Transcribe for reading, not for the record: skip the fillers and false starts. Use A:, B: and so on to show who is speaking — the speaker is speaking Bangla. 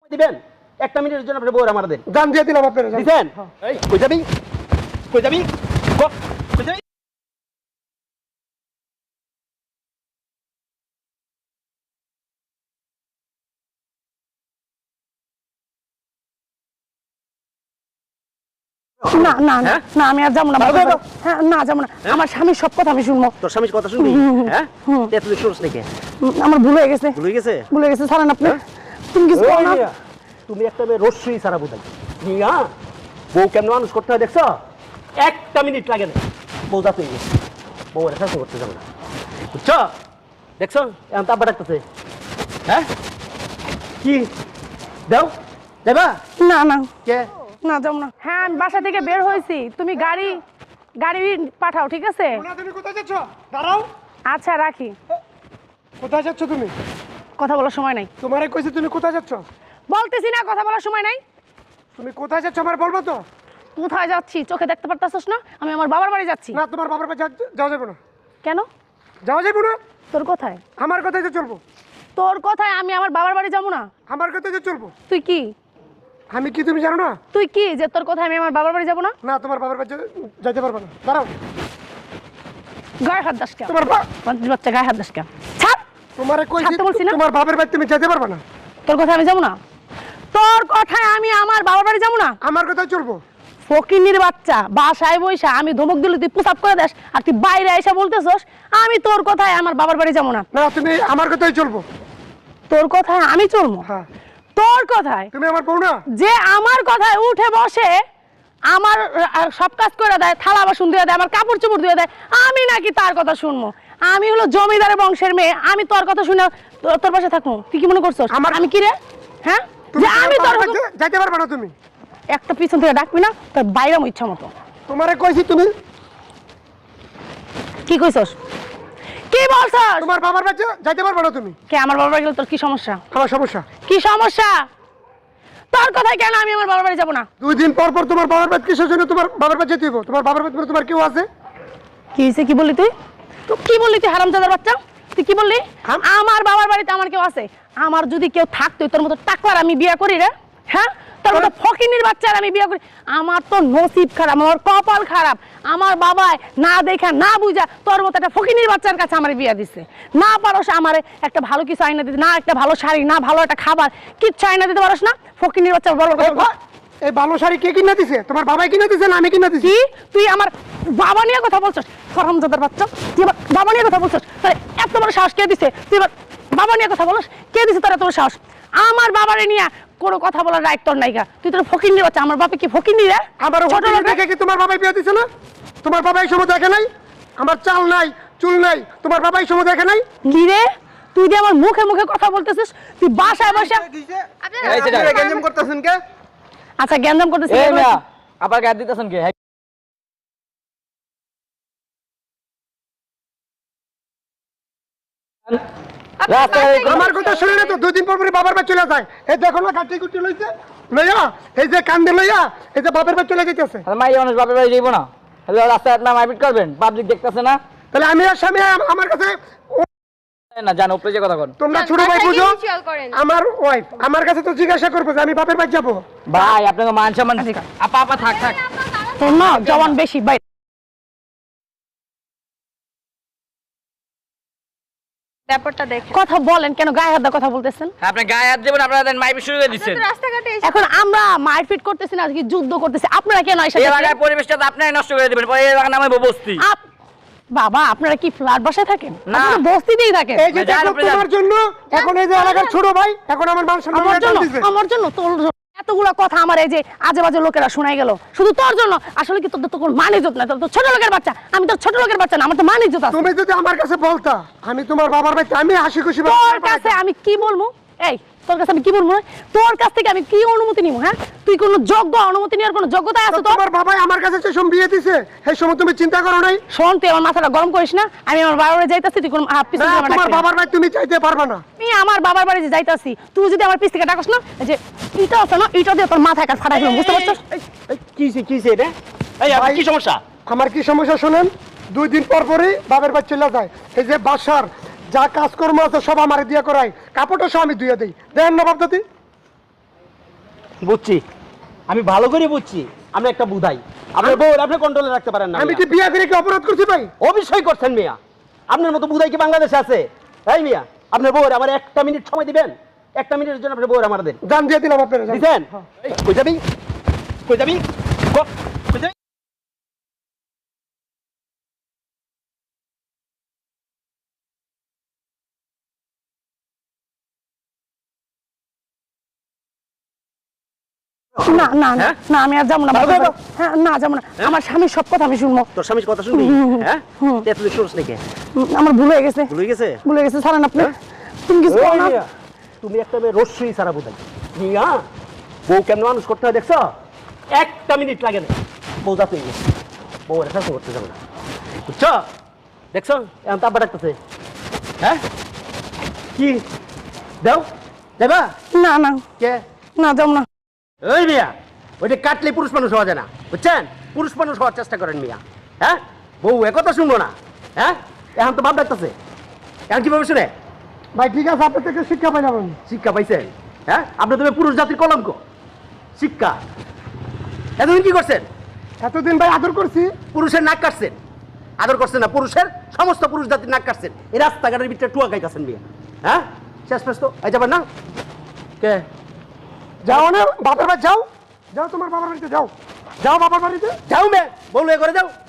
A: দিবেন 1 মিনিটের জন্য আপনি বউরা মারা দেন।
B: গান দিয়ে দিলাম আপনারা
A: দিবেন? এই কই যাবি? কই যাবি? কই যাবি?
C: না না না না আমি আর যাবো না হ্যাঁ না যাবো না আমার স্বামীর সব কথা আমি শুনবো
A: তোর স্বামীর কথা শুনবি? হ্যাঁ তুই শুনছ নাকি?
C: আমার ভুল হয়ে গেছে
A: ভুলে গেছে
C: ছাড়েন আপনি তুমি কিছু করো না
A: তুমি একটা মেয়ে রস্যই সারা বোঝাই হ্যাঁ বউ কেমন মানুষ করতে হয় দেখছো 1 মিনিট লাগে না বউ যাতে গেছে বউ এটা শাসন করতে যাবে না বুঝছো দেখছো এখন তাব্বা ডাকতেছে হ্যাঁ কি দাও দেবা
C: না না
A: কে
C: না যাবো না হ্যাঁ আমি বাসা থেকে বের হয়েছি তুমি গাড়ি পাঠাও ঠিক আছে
B: তুমি কোথায় যাচ্ছ? দাঁড়াও।
C: আচ্ছা রাখি
B: কোথায় যাচ্ছ তুমি?
C: কথা বলার সময় নাই
B: তোমারে কইছি তুমি কোথায় যাচ্ছ?
C: বলতেছি না কথা বলার সময় নাই
B: তুমি কোথায় যাচ্ছ আমার বলবো তো?
C: কোথায় যাচ্ছি চোখে দেখতে পারতাছস না আমি আমার বাবার বাড়ি যাচ্ছি
B: না তোমার বাবার বাড়ি যাওয়া যাবে না।
C: কেন
B: যাওয়া যাবে না?
C: তোর কোথায়
B: আমার কথাই তো চলবো।
C: তোর কথায় আমি আমার বাবার বাড়ি যাবো না
B: আমার কথাই তো চলবো।
C: তুই কি
B: আমি কি তুমি জানো না?
C: তুই কি যে তোর কথায় আমি আমার বাবার বাড়ি যাবো না
B: না তোমার বাবার বাড়ি যাইতে পারবে না। দাঁড়াও।
C: গায়ে হাত দাস কেন
B: তোমার
C: বাচ্চা গায়ে হাত দাস কেন ছাড়
B: তোমারে কইছি
C: ছাড়তে বলছি না?
B: তোমার বাবার বাড়ি তুমি যেতে পারবে না।
C: তোর কথায় আমি যাবো না তোর কথায় আমি আমার বাবার বাড়ি যাবো না
B: আমার কথাই চলবো।
C: ফকিন্নির বাচ্চা বাসায় বইসা আমি ধমক দিলে তুই পুশ আপ করে দেস আর তুই বাইরে এসে বলতেছস আমি তোর কথায় আমার বাবার বাড়ি যাবো না
B: না তুমি আমার কথাই চলবো।
C: তোর কথায় আমি চলবো
B: হ্যাঁ
C: তোর কথায়
B: তুমি আমার বউ না?
C: যে আমার কথায় উঠে বসে আমার সব কাজ করে দেয় থালা বাসন ধুয়ে দেয় আমার কাপড় চোপড় ধুয়ে দেয় আমি নাকি তার কথা শুনবো আমি হলো জমিদারের বংশের মেয়ে আমি তোর কথা শুনে তোর পাশে থাকবো তুই কি মনে করছস আমি কি রে হ্যাঁ
B: তুমি
C: যে আমি তোর
B: যাইতে পারবে না তুমি।
C: একটা পিছন থেকে ডাকবি না তোর বাইরে ইচ্ছা মতো
B: তোমারে কইছি তুমি
C: কি কইছস কি বলছস
B: তোমার বাবার বাড়ি যাইতে পারবে না তুমি।
C: কে আমার বাবার বাড়ি গেলে তোর কি সমস্যা
B: আমার সমস্যা
C: কি সমস্যা তোর কথায় কেন আমি আমার বাবার বাড়ি যাবো না
B: 2 দিন পর পর তোমার বাবার বাড়ি কিসের জন্য তোমার বাবার বাড়ি যেতে হবে? তোমার বাবার বাড়ি তোমার কেউ আছে?
C: কি হয়েছে কি বললি তুই কি বললি তুই হারামজাদার বাচ্চা তুই কি বললি আমার বাবার বাড়িতে আমার কেউ আছে আমার যদি কেউ থাকতো তোর মতো টাকলার আমি বিয়ে করি রে হ্যাঁ তোর মতো ফকিনির বাচ্চার আমি বিয়ে করি আমার তো নসিব খারাপ আমার কপাল খারাপ আমার বাবাই না দেখা না বুঝা তোর মতো একটা ফকিনির বাচ্চার কাছে আমার বিয়ে দিছে না পারস আমার একটা ভালো কিছু আইনা দিতে না একটা ভালো শাড়ি না ভালো একটা খাবার কিচ্ছু আইনা দিতে পারস না ফকিনির বাচ্চা বড় কথা
B: এই ভালো শাড়ি কে কিনে দিছে? তোমার বাবাই কিনে দিছে না আমি কিনে দিছি?
C: কি তুই আমার বাবা নিয়ে কথা বলছস হারামজাদার বাচ্চা তুই আমার বাবা নিয়ে কথা বলছস তাহলে এত বড় সাহস কে দিছে তুই আমার বাবা নিয়ে কথা বলছ কে দিছে তোর এত বড় সাহস আমার বাবারে নিয়ে কোনো কথা বলার রাইট তোর নাইগা তুই তোর ফকিন্নি বাচ্চা আমার বাবা কি ফকিন্নি রে
B: আমার ছোট লোক দেখে কি তোমার বাবাই বিয়ে দিছে না? তোমার বাবাই সময় দেখে নাই? আমার চাল নাই চুল নাই তোমার বাবাই সময় দেখে নাই?
C: কি রে তুই যে আমার মুখে মুখে কথা বলতেছিস তুই বাসায় বসে
D: এই যে গেঞ্জাম করতেছেন কে?
C: আচ্ছা জ্ঞানদাম করতেছিস
D: এই মিয়া আবার গায়ে দিতেছেন কে?
B: আমার কথা শুনে না তো 2 দিন পর পরে বাবার বাড়ি চলে যায়। এই দেখো না কাটি কুটি লইছে লইয়া এই যে কান্দে লইয়া এই যে বাবার বাড়ি চলে যাইতেছে।
D: মাই মানুষ বাপের বাড়ি যাইবো না? হ্যালো রাস্তায় আপনার মারপিট করবেন পাবলিক দেখতেছে না?
B: তাহলে আমি আর স্বামী আমার কাছে
D: না জানো উপরে যে কথা কন
B: তোমরা ছোট ভাই বুঝো আমার ওয়াইফ আমার কাছে তো জিজ্ঞাসা করবো যে আমি বাপের বাড়ি যাবো।
D: ভাই আপনাকে মান সম্মান আপা আপা থাক থাক
C: তোর না জওয়ান বেশি ভাই
E: ব্যাপারটা দেখে
C: কথা বলেন কেন গায়ে হাত দিয়ে কথা বলতেছেন
D: আপনি গায়ে হাত দেবেন আপনারা মারপিট শুরু করে দিচ্ছেন
E: রাস্তাঘাটে
C: এখন আমরা মারপিট করতেছি না কি যুদ্ধ করতেছি আপনারা কেন এসে
D: এই এলাকার পরিবেশটা তো আপনারাই নষ্ট করে দিবেন পরে এই এলাকার নামে বস্তি
C: বাবা আপনারা কি ফ্ল্যাট বাসায় থাকেন
D: না।
C: আপনারা বস্তিতেই থাকেন
B: এই যে দেখো তোমার জন্য এখন এই যে এলাকার ছোট ভাই এখন আমার মান সম্মান দিছে।
C: আমার জন্য তোর এতগুলো কথা আমার এই যে আজে বাজে লোকেরা শোনাই গেল শুধু তোর জন্য আসলে কি তোর তো কোনো মান ইজ্জত না তোর তো ছোট লোকের বাচ্চা আমি তো ছোট লোকের বাচ্চা না আমার তো মান ইজ্জত আছে
B: তুমি যদি আমার কাছে বলতা আমি তোমার বাবার বাড়িতে আমি হাসি খুশি
C: তোর কাছে আমি কি বলবো এই তোর কাছে আমি কি বলবো তোর কাছ থেকে আমি কি অনুমতি নিব হ্যাঁ তুই কোনো যোগ্য অনুমতি নেওয়ার কোনো যোগ্যতা আছে তোর
B: তোমার বাবাই আমার কাছে যে সময় বিয়ে দিছে সেই সময় তুমি চিন্তা করো নাই?
C: শোন তুই আমার মাথাটা গরম করিস না আমি আমার বাবার বাড়ি যাইতাছি তুই কোনো পিছন
B: না,
C: থেকে আমার
B: তোমার
C: ডাকবি না।
B: বাবার বাড়ি তুমি চাইতে পারবে না।
C: আমি আমার বাবার বাড়ি যে যাইতাছি তুই যদি আমার পিছ থেকে ডাকস না এই যে ইটা আছে না ইটা দিয়ে তোর মাথায় কাজ ফাটাই দিলাম বুঝতে পারছিস
A: কিছে রে এই আপনার কি সমস্যা?
B: আমার কি সমস্যা শুনেন 2 দিন পর পরই বাবার বাড়ি চলে যায় এই যে বাসার যা কাজকর্ম আছে সব আমার দিয়ে করাই কাপড়টা সব আমি ধুয়ে দেই দেন না বাপদাদি
A: বুঝছি, আমি ভালো করে বুঝছি আপনি একটা বুধাই। আপনার বউ আপনি কন্ট্রোলে রাখতে পারেন না।
B: আমি কি বিয়া করে কি অপরাধ করছি ভাই?
A: অবশ্যই করছেন মিয়া। আপনার মতো বুধাই কি বাংলাদেশে আছে? তাই মিয়া, আপনার বউর আমার 1 মিনিট সময় দিবেন? 1 মিনিটের জন্য আপনার বউর আমার দেন।
B: জান দিয়ে দিলাম আপনারা।
A: দিছেন? এই, কই যাবি? কই যাবি? কই যাবি?
C: না না না
A: হ্যাঁ?
C: না, আমি আর যাবো না বাবার বাড়ি। হ্যাঁ, না যাবো না, আমার স্বামীর সব কথা আমি শুনবো।
A: তোর স্বামীর কথা শুনবি? হ্যাঁ, তুই শুনছ নাকি?
C: আমার ভুল হয়ে গেছে,
A: ভুলে গেছে?
C: ভুলে গেছে, ছাড়েন আপনি।
A: হ্যাঁ?
C: তুমি কিছু করো
A: ওই
C: না।
A: মিয়া, তুমি একটা মেয়ে রস্যই সারা বুধাই মিয়া। বউ কেমন মানুষ করতে হয় দেখছো? 1 মিনিট লাগে না, বউ যাতে গেছে। বউ রেখা করতে যাবে না, বুঝছো? দেখছো এখন তাব্বা ডাকতেছে। হ্যাঁ, কি দাও দেবা?
C: না না
A: কে?
C: না, যাবো না।
A: ওই মিয়া, ওইটা কাটলে পুরুষ মানুষ হওয়া যায় না, বুঝছেন? পুরুষ মানুষ হওয়ার চেষ্টা করেন মিয়া। হ্যাঁ, বউ একথা শুনবো না। হ্যাঁ, এখন তো বাপ ডাকতেছে, এখন কিভাবে শুনে?
B: ভাই ঠিক আছে, আপনার থেকে শিক্ষা পাই যাবেন।
A: শিক্ষা পাইছেন? হ্যাঁ, আপনি তুমি পুরুষ জাতির কলঙ্ক। শিক্ষা এতদিন কি করছেন?
B: এতদিন ভাই আদর করছি।
A: পুরুষের নাক কাটছেন, আদর করছেন না, পুরুষের সমস্ত পুরুষ জাতির নাক কাটছেন। এই রাস্তাঘাটের ভিতরে টুয়া খাইতেছেন মিয়া। হ্যাঁ, শেষ পেশ তো এই যাবেন না? কে?
B: যাও না বাবার বাড়ি, যাও যাও, তোমার বাবার বাড়িতে যাও, যাও বাবার বাড়িতে।
A: যাও মে বলবে করে যাও।